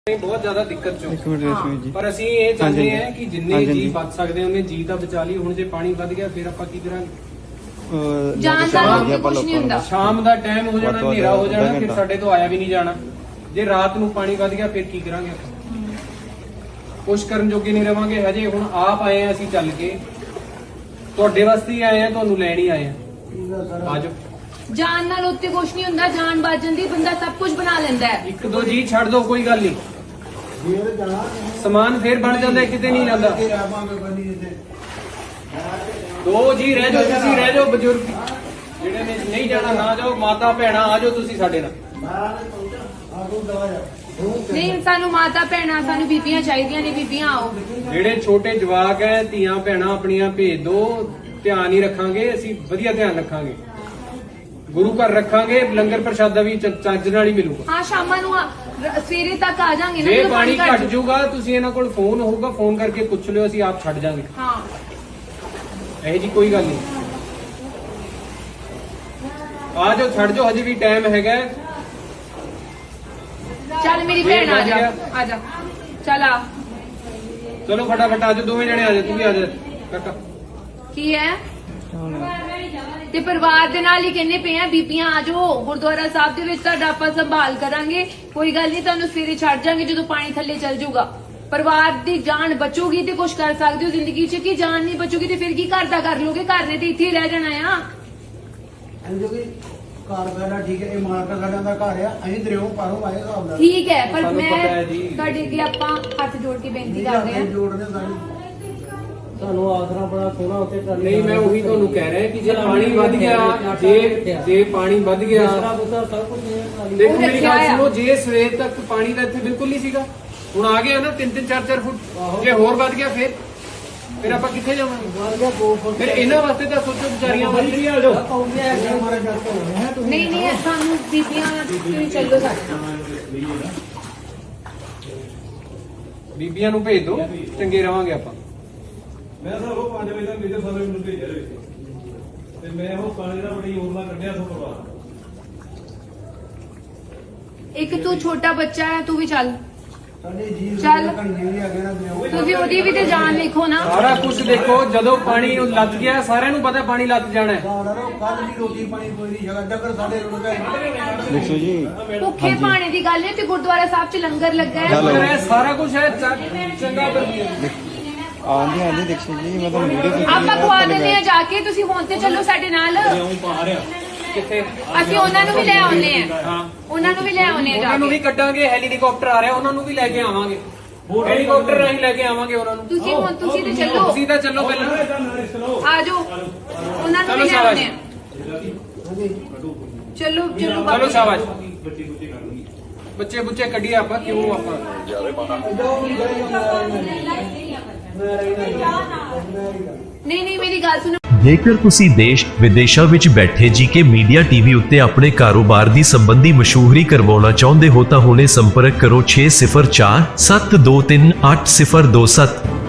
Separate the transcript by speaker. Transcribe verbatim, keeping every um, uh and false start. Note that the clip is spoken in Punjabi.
Speaker 1: बहुत ज्यादा दिक्कत चो
Speaker 2: हाँ।
Speaker 1: पर ਅਸੀਂ ਇਹ ਚਾਹੁੰਦੇ ਹਾਂ ਕਿ ਜਿੰਨੇ ਜੀ ਬਚ ਸਕਦੇ ਉਹਨੇ ਜੀ ਤਾਂ ਬਚਾ ਲਈ। ਹੁਣ ਜੇ ਪਾਣੀ ਵੱਧ ਗਿਆ ਫਿਰ ਆਪਾਂ ਕੀ ਕਰਾਂਗੇ?
Speaker 2: ਜਾਨ ਦਾ ਕੁਝ ਨਹੀਂ ਹੁੰਦਾ।
Speaker 1: ਸ਼ਾਮ ਦਾ ਟਾਈਮ ਹੋ ਜਾਣਾ, ਹਨੇਰਾ ਹੋ ਜਾਣਾ, ਫਿਰ ਸਾਡੇ ਤੋਂ ਆਇਆ ਵੀ ਨਹੀਂ ਜਾਣਾ। ਜੇ ਰਾਤ ਨੂੰ ਪਾਣੀ ਵੱਧ ਗਿਆ ਫਿਰ ਕੀ ਕਰਾਂਗੇ? ਆਪਾਂ ਕੁਛ ਕਰਨ ਜੋਗੇ ਨਹੀਂ ਰਵਾਂਗੇ। ਹਜੇ ਹੁਣ ਆਪ ਆਏ ਆ ਅਸੀਂ ਚੱਲ ਕੇ, ਤੁਹਾਡੇ ਵਾਸਤੇ ਹੀ ਆਏ ਆ, ਤੁਹਾਨੂੰ ਲੈਣ ਹੀ ਆਏ ਆ। ਆਜੋ।
Speaker 2: ਜਾਨ ਨਾਲ ਉੱਤੇ ਕੁਛ ਨਹੀਂ ਹੁੰਦਾ, ਜਾਨ ਬਚ ਜਾਂਦੀ, ਬੰਦਾ ਸਭ ਕੁਝ ਬਣਾ ਲੈਂਦਾ ਹੈ।
Speaker 1: ਇੱਕ ਦੋ ਜੀ ਛੱਡ ਦੋ, ਕੋਈ ਗੱਲ ਨਹੀਂ, ਸਮਾਨ ਫੇਰ ਬਣ ਜਾਂਦਾ, ਕਿਤੇ ਨਹੀਂ ਜਾਂਦਾ। ਦੋ ਜੀ ਰਹਿ ਜਾਓ, ਤੁਸੀਂ ਰਹਿ ਜਾਓ, ਬਜ਼ੁਰਗ ਜਿਹੜੇ ਨੇ ਨਹੀਂ ਜਾਣਾ ਨਾ ਜਾਓ, ਮਾਤਾ ਭੈਣਾਂ ਆ ਜਾਓ ਤੁਸੀਂ ਸਾਡੇ ਨਾਲ।
Speaker 2: ਨਹੀਂ, ਸਾਨੂੰ ਮਾਤਾ ਭੈਣਾਂ, ਸਾਨੂੰ ਬੀਬੀਆਂ ਚਾਹੀਦੀਆਂ ਨੇ, ਬੀਬੀਆਂ ਆਓ।
Speaker 1: ਜਿਹੜੇ ਛੋਟੇ ਜਵਾਕ ਹੈ, ਧੀਆਂ ਭੈਣਾਂ ਆਪਣੀਆਂ ਭੇਜ ਦੋ, ਧਿਆਨ ਹੀ ਰੱਖਾਂਗੇ ਅਸੀਂ, ਵਧੀਆ ਧਿਆਨ ਰੱਖਾਂਗੇ, ਗੁਰੂ ਘਰ ਰੱਖਾਂਗੇ, ਲੰਗਰ ਪ੍ਰਸ਼ਾਦਾ ਵੀ ਚੱਜ ਨਾਲ ਹੀ ਮਿਲੂਗਾ।
Speaker 2: ਹਾਂ, ਸ਼ਾਮਾਂ ਨੂੰ ਸਵੇਰੇ ਤੱਕ ਆ ਜਾਾਂਗੇ ਨਾ।
Speaker 1: ਜੇ ਪਾਣੀ ਘਟ ਜਾਊਗਾ ਤੁਸੀਂ ਇਹਨਾਂ ਕੋਲ ਫੋਨ ਹੋਊਗਾ, ਫੋਨ ਕਰਕੇ ਪੁੱਛ ਲਿਓ, ਅਸੀਂ ਆਪ ਛੱਡ ਜਾਾਂਗੇ।
Speaker 2: ਹਾਂ,
Speaker 1: ਇਹ ਜੀ ਕੋਈ ਗੱਲ ਨਹੀਂ, ਆ ਜਾਓ, ਛੱਡ ਜਾਓ, ਹਜੇ ਵੀ ਟਾਈਮ ਹੈਗਾ।
Speaker 2: ਚੱਲ ਮੇਰੀ ਭੈਣ ਆ ਜਾ, ਆ ਜਾ, ਚੱਲ ਆ।
Speaker 1: ਚਲੋ ਫਟਾਫਟ ਆ ਜਾਓ, ਦੋਵੇਂ ਜਣੇ ਆ ਜਾਓ, ਤੂੰ ਵੀ ਆ ਜਾ ਕਾਕਾ।
Speaker 2: ਕੀ ਹੈ ਤੇ ਪਰਿਵਾਰ ਦੇ ਨਾਲ ਹੀ ਕਹਿੰਦੇ ਪਏ ਆ, ਬੀਬੀਆਂ ਆ ਜਾਓ ਗੁਰਦੁਆਰਾ ਸਾਹਿਬ ਦੇ ਵਿੱਚ, ਤੁਹਾਡਾ ਆਪਾਂ ਸੰਭਾਲ ਕਰਾਂਗੇ, ਕੋਈ ਗੱਲ ਨਹੀਂ, ਤੁਹਾਨੂੰ ਸਵੇਰੇ ਛੱਡ ਜਾਾਂਗੇ ਜਦੋਂ ਪਾਣੀ ਥੱਲੇ ਚੱਲ ਜਾਊਗਾ। ਪਰਿਵਾਰ ਦੀ ਜਾਨ ਬਚੂਗੀ ਤੇ ਕੁਝ ਕਰ ਸਕਦੇ ਹੋ ਜ਼ਿੰਦਗੀ 'ਚ, ਕਿ ਜਾਨ ਨਹੀਂ ਬਚੂਗੀ ਤੇ ਫਿਰ ਕੀ ਘਰ ਦਾ ਕਰ ਲੋਗੇ? ਘਰ ਨੇ ਤੇ ਇੱਥੇ ਹੀ ਰਹਿ ਜਾਣਾ ਆ।
Speaker 3: ਘਰ ਸਾਡਾ ਠੀਕ ਹੈ, ਇਹ ਮਾਲਕਾ ਸਾਡਾ ਦਾ ਘਰ ਆ, ਅਸੀਂ ਦਰਿਓ ਪਾਰੋਂ ਆਏ ਹਿਸਾਬ ਨਾਲ
Speaker 2: ਠੀਕ ਹੈ, ਪਰ
Speaker 1: ਸਾਨੂੰ
Speaker 2: ਮੈਂ
Speaker 1: ਪਤਾ ਹੈ ਜੀ।
Speaker 2: ਤੁਹਾਡੇ ਅੱਗੇ ਆਪਾਂ ਹੱਥ ਜੋੜ ਕੇ ਬੇਨਤੀ ਕਰਦੇ ਹਾਂ।
Speaker 3: ਜੋੜਨੇ ਸਾਡੀ
Speaker 4: ਤੁਹਾਨੂੰ ਆਸਰਾ ਬੜਾ ਸੋਹਣਾ ਉੱਤੇ ਕਰ
Speaker 1: ਨਹੀਂ, ਮੈਂ ਉਹੀ ਤੁਹਾਨੂੰ ਕਹਿ ਰਿਹਾ ਕਿ ਜੇ ਪਾਣੀ ਵੱਧ ਗਿਆ, ਜੇ ਜੇ ਪਾਣੀ ਵੱਧ ਗਿਆ,
Speaker 4: ਆਸਰਾ ਬੁਸਰਾ ਸਭ ਕੁਝ
Speaker 1: ਦੇਖੋ ਮੇਰੀ ਗੱਲ ਸੁਣੋ, ਜੇ ਸਵੇਰ ਤੱਕ ਪਾਣੀ ਦਾ ਇੱਥੇ ਬਿਲਕੁਲ ਨਹੀਂ ਸੀਗਾ, ਹੁਣ ਆ ਗਿਆ ਨਾ ਤਿੰਨ ਤਿੰਨ ਚਾਰ ਚਾਰ ਫੁੱਟ, ਜੇ ਹੋਰ ਵੱਧ ਗਿਆ ਫਿਰ ਫਿਰ ਆਪਾਂ ਕਿੱਥੇ ਜਾਵਾਂਗੇ? ਫਿਰ ਇਹਨਾਂ ਵਾਸਤੇ ਤਾਂ ਸੋਚੋ, ਵਿਚਾਰੀਆਂ ਵਾਸਤੇ ਆ ਜਾਓ।
Speaker 3: ਮਾਰੇ ਜੱਟ ਹੋਣੇ ਹੈ ਤੁਸੀਂ।
Speaker 2: ਨਹੀਂ ਨਹੀਂ, ਸਾਨੂੰ ਬੀਬੀਆਂ ਤੁਸੀਂ ਚੱਲੋ ਸਾਡੇ ਨਾਲ।
Speaker 1: ਬੀਬੀਆਂ ਨੂੰ ਭੇਜ ਦਿਓ, ਚੰਗੇ ਰਵਾਂਗੇ ਆਪਾਂ।
Speaker 5: ਮੈਂ ਸਰ ਉਹ ਪੰਜ ਵਜੇ ਤੱਕ ਮੇਰੇ ਸਾਰੇ ਮੈਨੂੰ ਭੇਜਿਆ ਦੇ ਵਿੱਚ, ਤੇ ਮੈਂ ਉਹ ਪਾਣੀ ਦਾ ਬੜੀ ਹੋਰ ਨਾਲ ਕੱਢਿਆ ਸੋ ਪਰਿਵਾਰ।
Speaker 2: ਇੱਕ ਤੂੰ ਛੋਟਾ ਬੱਚਾ ਹੈ, ਤੂੰ ਵੀ ਚੱਲ।
Speaker 3: ਸਾਡੇ ਜੀ
Speaker 2: ਚੱਲ।
Speaker 3: ਕੰਨੇ ਵੀ ਆ ਗਏ ਨਾ ਦਰਿਓ।
Speaker 2: ਤੁਸੀਂ ਉਹਦੀ ਵੀ ਤੇ ਜਾਨ ਲਿਖੋ ਨਾ।
Speaker 1: ਸਾਰਾ ਕੁਝ ਦੇਖੋ, ਜਦੋਂ ਪਾਣੀ ਨੂੰ ਲੱਗ ਗਿਆ, ਸਾਰਿਆਂ ਨੂੰ ਪਤਾ ਪਾਣੀ ਲੱਗ ਜਾਣਾ ਹੈ।
Speaker 3: ਕੱਲ ਦੀ ਰੋਟੀ ਪਾਣੀ ਕੋਈ ਨਹੀਂ ਜਗਾ, ਡੱਕਰ ਸਾਡੇ ਰੁੜ ਗਏ।
Speaker 2: ਭੁੱਖੇ ਪਾਣੀ ਦੀ ਗੱਲ ਹੈ ਤੇ ਗੁਰਦੁਆਰਾ ਸਾਹਿਬ 'ਚ ਲੰਗਰ ਲੱਗਾ ਹੈ।
Speaker 1: ਅਗਰ ਇਹ ਸਾਰਾ ਕੁਝ ਹੈ, ਚ- ਚੰਗਾ ਵਧੀਆ।
Speaker 6: ਆਂਦੀ ਆਂਦੀ ਦੇਖੋ ਜੀ, ਮੈਂ ਤਾਂ ਵੀਡੀਓ
Speaker 2: ਆਪਾਂ ਖਵਾ ਦਿੰਦੇ ਆ ਜਾ ਕੇ, ਤੁਸੀਂ ਹੁਣ ਤੇ ਚੱਲੋ ਸਾਡੇ ਨਾਲ।
Speaker 1: ਕਿੱਥੇ?
Speaker 2: ਅਸੀਂ ਉਹਨਾਂ ਨੂੰ ਵੀ ਲੈ ਆਉਨੇ ਆ।
Speaker 1: ਹਾਂ,
Speaker 2: ਉਹਨਾਂ ਨੂੰ ਵੀ ਲੈ ਆਉਨੇ ਆ ਜਾ
Speaker 1: ਉਹਨਾਂ ਨੂੰ
Speaker 2: ਕੇ।
Speaker 1: ਵੀ ਕੱਢਾਂਗੇ, ਹੈਲੀਕਾਪਟਰ ਆ ਰਿਹਾ, ਉਹਨਾਂ ਨੂੰ ਵੀ ਲੈ ਕੇ ਆਵਾਂਗੇ, ਹੈਲੀਕਾਪਟਰ ਰਾਹੀਂ ਲੈ ਕੇ ਆਵਾਂਗੇ ਉਹਨਾਂ ਨੂੰ।
Speaker 2: ਤੁਸੀਂ ਹੁਣ ਤੁਸੀਂ ਤੇ ਚੱਲੋ,
Speaker 1: ਤੁਸੀਂ ਤਾਂ ਚੱਲੋ ਪਹਿਲਾਂ,
Speaker 2: ਆ ਜਾਓ, ਉਹਨਾਂ ਨੂੰ
Speaker 1: ਚਲੋ
Speaker 2: ਵੀ ਲੈ
Speaker 1: ਸ਼ਾਬਾਸ਼।
Speaker 2: ਆਉਨੇ ਆ। ਚਲੋ ਚਲੋ
Speaker 1: ਚਲੋ
Speaker 2: ਬਾਬਾ।
Speaker 1: ਸ਼ਾਬਾਸ਼। ਬੱਚੇ ਬੁੱਚੇ ਕੱਢੀਏ ਆਪਾਂ, ਕਿਉਂ ਆਪਾਂ
Speaker 2: ਨਹੀਂ ਨਹੀਂ, ਮੇਰੀ ਗੱਲ ਸੁਣੋ।
Speaker 7: ਜੇਕਰ ਤੁਸੀਂ ਦੇਸ਼ ਵਿਦੇਸ਼ਾਂ ਵਿੱਚ ਬੈਠੇ ਜੀਕੇ ਮੀਡੀਆ ਟੀਵੀ ਉੱਤੇ ਆਪਣੇ ਕਾਰੋਬਾਰ ਦੀ ਸੰਬੰਧੀ ਮਸ਼ਹੂਰੀ ਕਰਵਾਉਣਾ ਚਾਹੁੰਦੇ ਹੋ ਤਾਂ ਹੁਣੇ ਸੰਪਰਕ ਕਰੋ ਛੇ ਸਿਫਰ ਚਾਰ ਸੱਤ ਦੋ ਤਿੰਨ ਅੱਠ ਸਿਫਰ ਦੋ ਸੱਤ।